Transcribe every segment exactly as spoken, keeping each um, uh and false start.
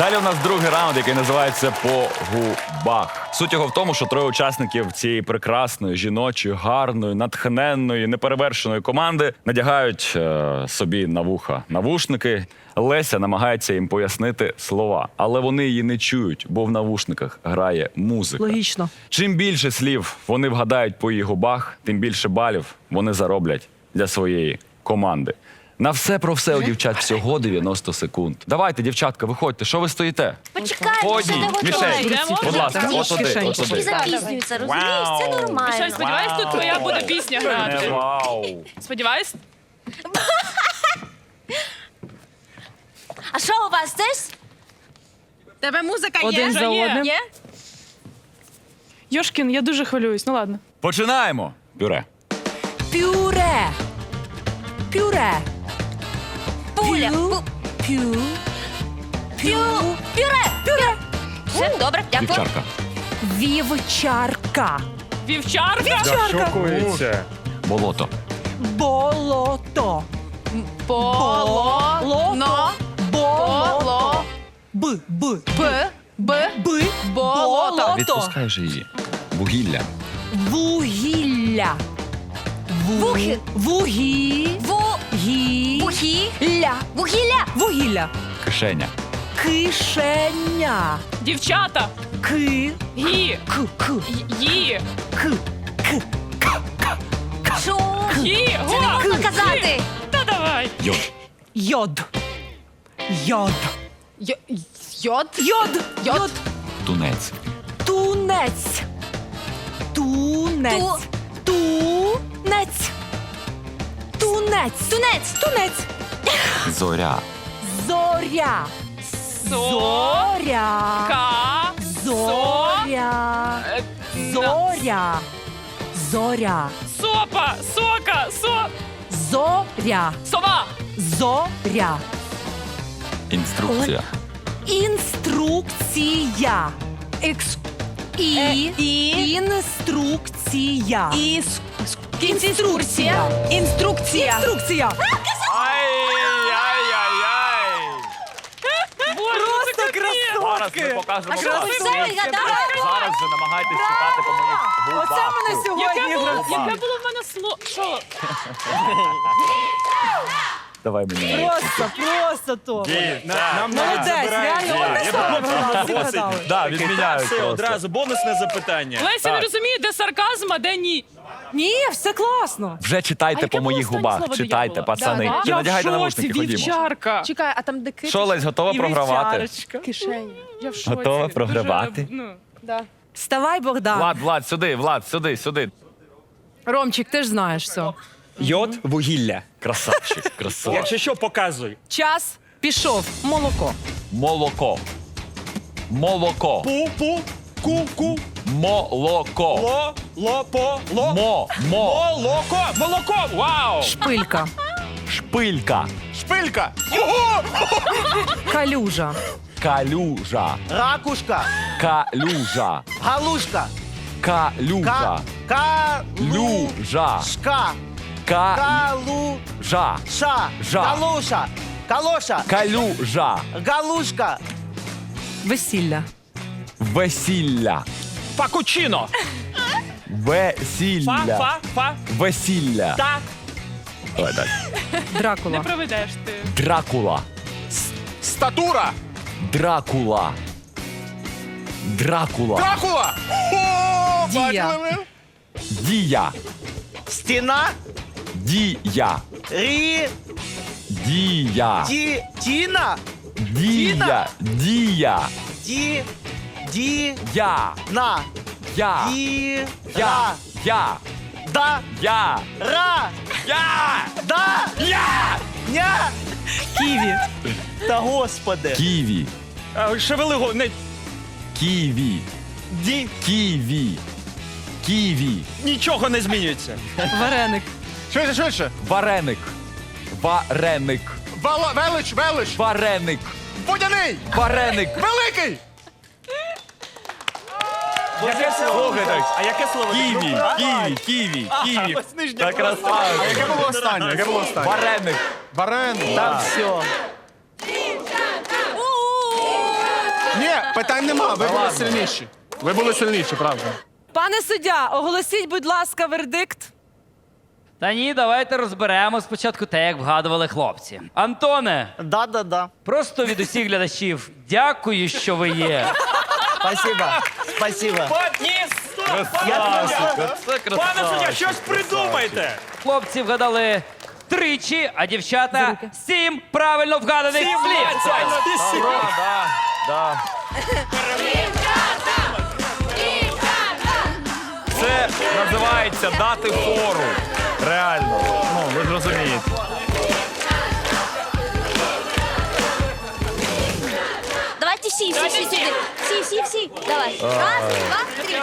Далі у нас другий раунд, який називається «По губах». Суть його в тому, що троє учасників цієї прекрасної, жіночої, гарної, натхненної, неперевершеної команди надягають е, собі на вуха навушники. Леся намагається їм пояснити слова, але вони її не чують, бо в навушниках грає музика. Логічно. Чим більше слів вони вгадають по її губах, тим більше балів вони зароблять для своєї команди. На все про все у дівчат всього дев'яносто секунд. Давайте, дівчатка, виходьте. Що ви стоїте? Почекай, По ще одній. не Мішель, готові. будь ласка, Так, от туди, кишеньки. от Всі туди. запізнюються, розумієш? Це Вау. нормально. Мішель, сподіваюсь, тут твоя буде пісня Не грати. вау. Сподіваюсь? А що у вас теж? Тебе музика є? Один за є. одним. Є? Йошкін, я дуже хвилююсь. Ну ладно. Починаємо. Пюре. Пюре. Пюре. Пуля. Пю. Пу- Пю. Пю. Пюре. Пюре. Все, добре, дякую. Дівчарка. Вівчарка. Вівчарка? Шокується. Болото. Болото. Поло. Болото. Болото. Поло. Б. Б. Б. Б. Б. Болото. Відпускаєш її. Вугілля. Вугілля. Ву- Вухи. Вугі. Ву. Гі. Вухі. Ля. Вугілля. Вугілля. Кишеня. Кишеня. Дівчата. Ки. Гі. К. К. Ї. К. К. Шу. Гі. Це не Го. можна казати. Гі. Та давай. Йод. Йод. Йод. Йод. Йод. Йод. Йод. Тунець. Тунець. Тунець. Тунець. Тунець. Тунець. Тунець. Зоря. Зоря. Зоря. Ка. Зоря. Е, Зоря. Зоря. Сопа. Сока. Со. Зоря. Сова. Зоря. Інструкція. Інструкція. Екс. І. Е, і. Інструкція. Іс. Інструкція. Інструкція. Інструкція. Ай-яй-яй-яй. Боже, Просто це капець. Зараз ми покажемо А що клас. ви все відгадали? Зараз же намагайтесь читати по моїх губах. Оце мене Яке сьогодні було, графік. яке було в мене слово? Що? Давай мені. Просто, просто то. Нам Молодець, реально, одне слово вгадали, всі вгадали. Да, відміняють Все, просто. одразу бонусне запитання. Леся не розуміє, де сарказм, а де ні. Ні, все класно. Вже А читайте яке по було моїх останнє губах. слово, де я Читайте, була? пацани. Да, Чи Я в надягайте шоці, навушники, ходімо. вівчарка. Чекай, а там де кит? Що, Лесь, готова І програвати? вівчарочка. Кишені. Я в шоці. Готова Дуже, програвати? ну. Да. Вставай, Богдан. Влад, Влад, сюди, Влад, сюди, сюди. Ромчик, ти ж знаєш все. Йод, вугілля. Красавчик, красавчик. Якщо що, показуй. Час пішов. Молоко. Молоко. Молоко. Пу, пу, ку, ку, Молоко. ло, ло, по, ло. Мо, мо. Молоко, молоко, вау! Шпилька. Шпилька. Шпилька. Ого! Калюжа. Калюжа. Ракушка, Калюжа. галушка, Калюжа. ка, калушка, Люжа. калуша, Ка. Жа. галуша, калоша, Калюжа. галушка, Весілля. Весілля. Пакучино. Фа, Весілля. фа, фа, Весілля. та. Давай далі. Не Дракула. проведеш ти. Дракула. Статура. Дракула. Дракула. Дракула. О, Дія. бачили ви? Дія. стіна, Дія. рі, Дія. ті, тіна, Дія. Дія. ді, ді, Я. на, Я. ді, Я. ра, Я. да, Я. ра, Я. да, Я. ня, Ківі. та господи, Ківі. А, Шевели го, не, Ківі. ді, Ківі. Ківі. нічого не змінюється. Вареник. Швидше, швидше. Вареник. Вареник. Вало, велич, велич. Вареник. Водяний. Вареник. Великий. Яке слово? А яке слово? Ківі. Ківі. Ківі. Ківі. ось нижнє Та було. красавчик. Яке було останнє? Яке було останнє? Вареник. Варений. там все. Питань нема, ви були сильніші. Ви були сильніші, правда. Пане суддя, оголосіть, будь ласка, вердикт. Та ні, давайте розберемо спочатку те, як вгадували хлопці. Антоне, Да-да-да. просто від усіх глядачів дякую, що ви є. Спасибо. Спасибо. Пане суддя, щось придумайте. Хлопці вгадали тричі, а дівчата сім правильно вгаданих слів. Да, да. Це називається дати фору. Реально. Ну, ви ж розумієте. Давайте всі, всі, всі сюди. Всі, всі, всі. Давай. Раз, два, три.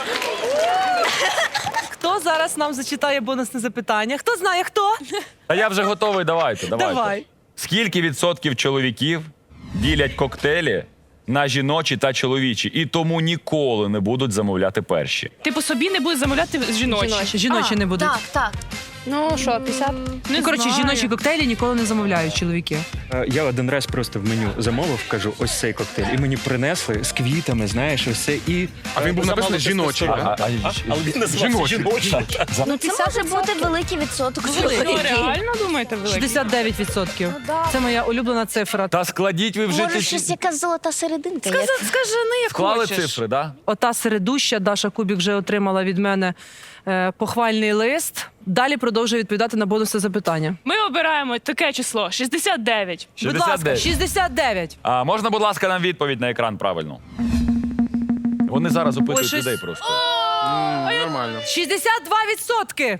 Хто зараз нам зачитає бонусне запитання? Хто знає, хто? Та я вже готовий, давайте, давайте. Давай. Скільки відсотків чоловіків ділять коктейлі на жіночі та чоловічі і тому ніколи не будуть замовляти перші? Ти по собі не будеш замовляти жіночі. Жіночі, жіночі не будуть. Так, так. Ну що, п'ятдесят? Не Ну, коротше, знаю. жіночі коктейлі ніколи не замовляють чоловіки. Е, Я один раз просто в меню замовив, кажу, ось цей коктейль. І мені принесли з квітами, знаєш, ось це і. А він був написаний жіночий. А, а, Але він називався жіночий. Ну це може бути великий відсоток Ну, чоловіків. реально думаєте, великий? шістдесят дев'ять відсотків. Це моя улюблена цифра. Та складіть ви вже Може, ці- щось якась золота серединка є. Скажи, скажи, не як Склали хочеш. цифри, да? Ота середуща Даша Кубік вже отримала від мене е, похвальний лист. Далі продовжує відповідати на бонусне запитання. Ми обираємо таке число шістдесят дев'ять. Будь ласка, шістдесят дев'ять. шістдесят дев'ять. А можна, будь ласка, нам відповідь на екран правильно? Вони зараз опитують Ой, щось- людей просто. Нормально. шістдесят два відсотки.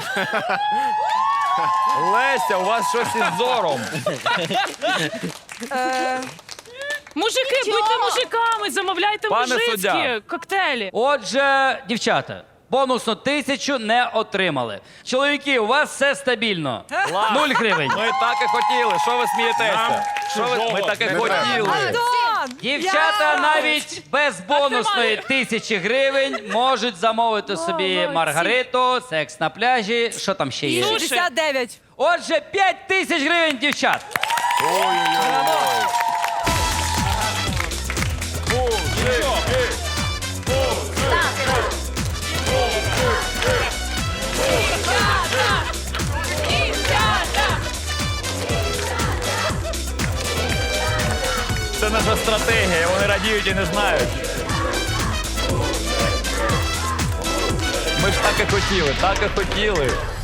Леся, у вас щось із зором. Е, Мужики, будьте мужиками, замовляйте Пане мужицькі суддя. коктейлі. Отже, дівчата, бонусну тисячу не отримали. Чоловіки, у вас все стабільно. Нуль гривень. Ми так і хотіли. Що ви смієтеся? Що ви... Ми так і хотіли. Антон! Дівчата навіть без бонусної тисячі гривень можуть замовити собі Маргариту, секс на пляжі. Що там ще є? шістдесят дев'ять. Отже, п'ять тисяч гривень, дівчат. Це наша стратегія. Вони радіють і не знають. Ми ж так і хотіли, так і хотіли.